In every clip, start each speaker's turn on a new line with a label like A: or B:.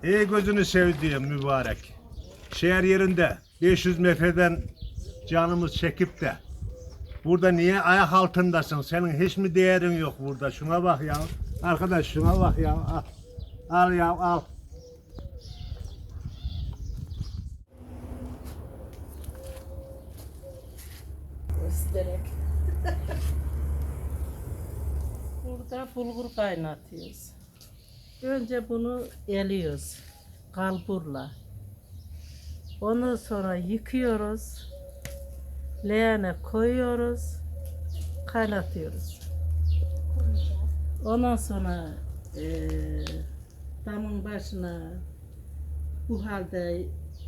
A: Ey gözünü sevdiğim mübarek. Şehir yerinde 500 metreden canımız çekip de burada niye ayak altındasın? Senin hiç mi değerin yok burada? Şuna bak ya. Arkadaş şuna bak ya. Al, al ya al.
B: Göstererek. Burada bulgur kaynatıyoruz. Önce bunu eliyoruz kalburla. Ondan sonra yıkıyoruz. Leğene koyuyoruz. Kaynatıyoruz. Ondan sonra damın başına bu halde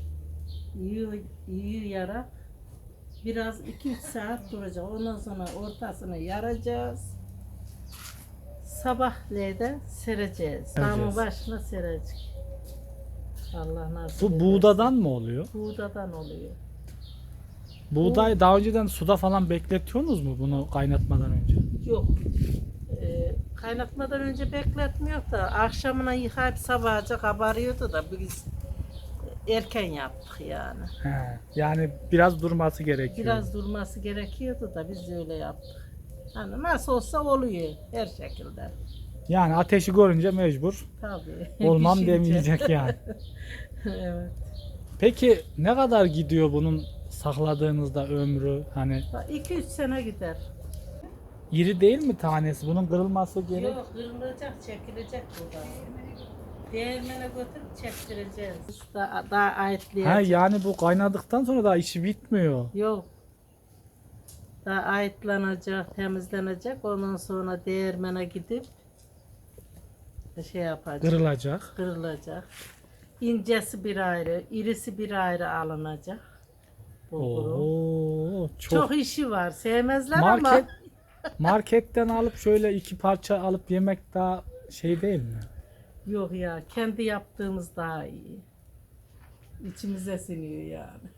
B: yiyerek biraz 2-3 saat duracak. Ondan sonra ortasını yaracağız. Sabahleyin de sereceğiz. Damın başına serecek. Allah nasip
C: Bu
B: ederse.
C: buğdadan mı oluyor?
B: Buğdadan oluyor.
C: Buğday daha önceden suda falan bekletiyorsunuz mu bunu kaynatmadan önce?
B: Yok. Kaynatmadan önce bekletmiyor da akşamına yıkayıp sabahca kabarıyordu da biz erken yaptık yani.
C: He, yani biraz durması gerekiyor.
B: Biraz durması gerekiyordu da biz öyle yaptık. Hani nasıl olsa oluyor her şekilde.
C: Yani ateşi görünce mecbur
B: Tabii.
C: olmam
B: Pişince.
C: demeyecek yani.
B: Evet.
C: Peki ne kadar gidiyor bunun sakladığınızda ömrü? Hani
B: 2-3 sene gider.
C: iri değil mi tanesi? Bunun kırılması gerek.
B: Yok kırılacak, çekilecek burada. Değirmene götürüp çektireceğiz. Daha
C: Ha,
B: ayıtlayacak.
C: yani bu kaynadıktan sonra da işi bitmiyor.
B: Yok. Daha ayıtlanacak, temizlenecek. Ondan sonra değirmene gidip şey yapacak.
C: Kırılacak.
B: Kırılacak. İncesi bir ayrı, irisi bir ayrı alınacak. Bulgurun.
C: Oo,
B: Çok işi var. Sevmezler
C: market
B: ama.
C: marketten alıp şöyle 2 parça alıp yemek daha şey değil mi?
B: Yok ya, kendi yaptığımız daha iyi. İçimize siniyor yani.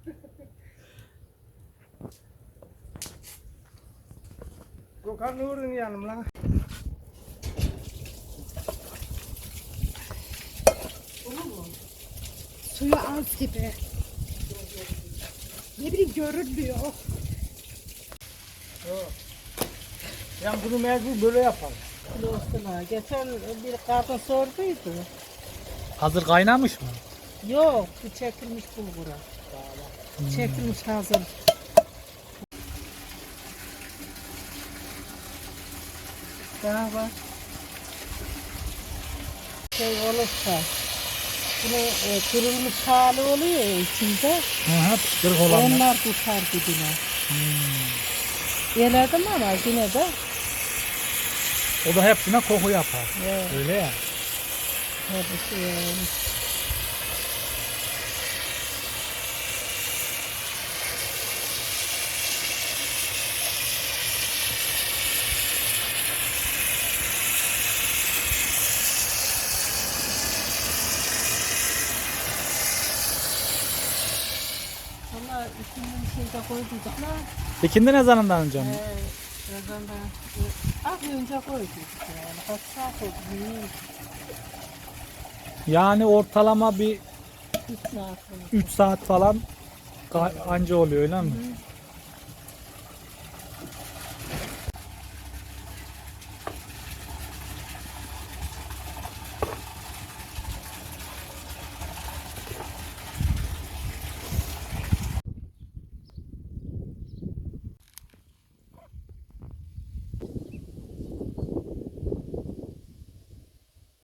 D: Gökhan Nur'un yanımla.
E: Suyu az gibi. Ne bileyim görünmüyor.
C: Yani bunu mecbur böyle yapalım.
B: Dostuna, geçen bir kadın sorduydu.
C: Hazır kaynamış mı?
B: Yok, bu çekilmiş bulgura. Çekilmiş hazır. Daha var. Şey olursa, bunu kırılmış hali oluyor ya içinde.
C: Hı hı, kırık olanlar.
B: Onlar tutar dibine. Yeledim ama yine de.
C: O da hepsine koku yapar.
B: Evet.
C: Öyle ya.
B: Hepsi yani. Ama ikinin içinde koyduyduk lan.
C: İkindi ne zamandan önce mi?
B: Birazdan da az önce koyduk yani. Kaç saat oldu bilmiyorum.
C: Yani ortalama bir
B: 3 saat oldu.
C: 3 saat falan anca oluyor öyle mi?